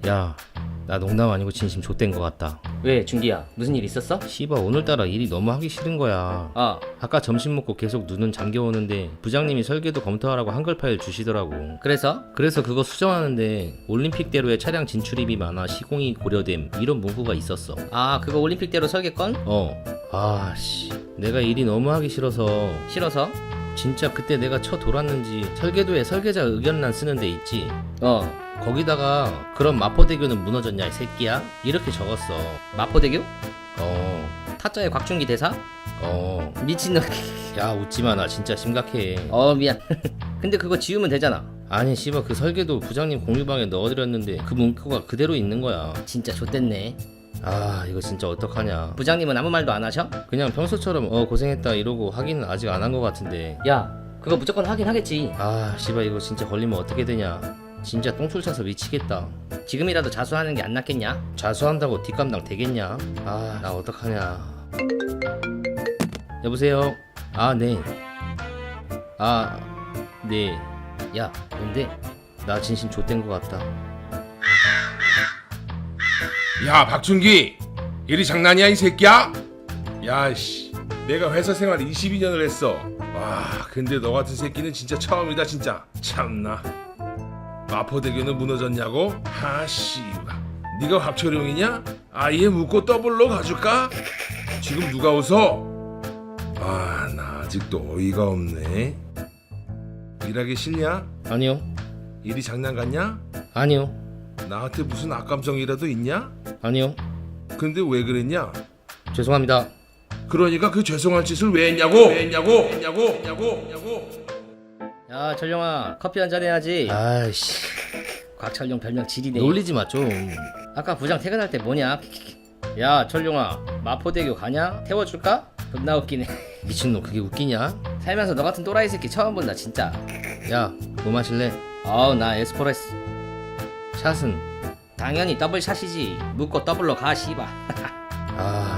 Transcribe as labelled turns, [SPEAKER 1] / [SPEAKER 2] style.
[SPEAKER 1] 야, 나 농담 아니고 진심 좆된 거 같다.
[SPEAKER 2] 왜 준기야, 무슨 일 있었어?
[SPEAKER 1] 씨발 오늘따라 일이 너무 하기 싫은 거야. 아까 점심 먹고 계속 눈은 잠겨오는데 부장님이 설계도 검토하라고 한글 파일 주시더라고.
[SPEAKER 2] 그래서?
[SPEAKER 1] 그래서 그거 수정하는데 올림픽대로의 차량 진출입이 많아 시공이 고려됨 이런 문구가 있었어.
[SPEAKER 2] 그거 올림픽대로 설계건?
[SPEAKER 1] 아씨, 내가 일이 너무 하기 싫어서 진짜 그때 내가 쳐 돌았는지 설계도에 설계자 의견란 쓰는 데 있지. 거기다가 그럼 마포대교는 무너졌냐 이 새끼야? 이렇게 적었어.
[SPEAKER 2] 마포대교?
[SPEAKER 1] 어
[SPEAKER 2] 타짜의 곽준기 대사? 미친놈.
[SPEAKER 1] 야 웃지마, 나 진짜 심각해.
[SPEAKER 2] 미안. 근데 그거 지우면 되잖아.
[SPEAKER 1] 아니 씨발 그 설계도 부장님 공유방에 넣어드렸는데 그 문구가 그대로 있는 거야.
[SPEAKER 2] 진짜 좆됐네.
[SPEAKER 1] 이거 진짜 어떡하냐.
[SPEAKER 2] 부장님은 아무 말도 안 하셔?
[SPEAKER 1] 그냥 평소처럼 고생했다 이러고 확인은 아직 안 한 거 같은데.
[SPEAKER 2] 야, 그거 무조건 하긴 하겠지.
[SPEAKER 1] 씨발 이거 진짜 걸리면 어떻게 되냐. 진짜 똥줄 차서 미치겠다.
[SPEAKER 2] 지금이라도 자수하는 게 안 낫겠냐?
[SPEAKER 1] 자수한다고 뒷감당 되겠냐. 나 어떡하냐. 여보세요. 네. 네.
[SPEAKER 2] 야, 뭔데?
[SPEAKER 1] 나 진심 좆된 거 같다.
[SPEAKER 3] 야 박준기, 일이 장난이야 이 새끼야? 야씨, 내가 회사 생활 22년을 했어. 와 근데 너 같은 새끼는 진짜 처음이다 진짜. 참나. 마포대교는 무너졌냐고? 씨발 네가 밥초룡이냐? 아예 묻고 더블로 가줄까? 지금 누가 웃어? 나 아직도 어이가 없네. 일하기 싫냐?
[SPEAKER 1] 아니요.
[SPEAKER 3] 일이 장난 같냐?
[SPEAKER 1] 아니요.
[SPEAKER 3] 나한테 무슨 악감정이라도 있냐?
[SPEAKER 1] 아니요.
[SPEAKER 3] 근데 왜 그랬냐?
[SPEAKER 1] 죄송합니다.
[SPEAKER 3] 그러니까 그 죄송할 짓을 왜 했냐고?
[SPEAKER 2] 야, 철룡아, 커피 한잔 해야지.
[SPEAKER 1] 아이씨,
[SPEAKER 2] 곽철룡 별명 지리네.
[SPEAKER 1] 놀리지 마 좀.
[SPEAKER 2] 아까 부장 퇴근할 때 뭐냐? 야, 철룡아, 마포대교 가냐? 태워줄까? 존나 웃기네.
[SPEAKER 1] 미친놈, 그게 웃기냐?
[SPEAKER 2] 살면서 너 같은 또라이 새끼 처음 본다 진짜.
[SPEAKER 1] 야, 뭐 마실래?
[SPEAKER 2] 나 에스프레소.
[SPEAKER 1] 샷은?
[SPEAKER 2] 당연히 더블샷이지. 묻고 더블로 가 씨바.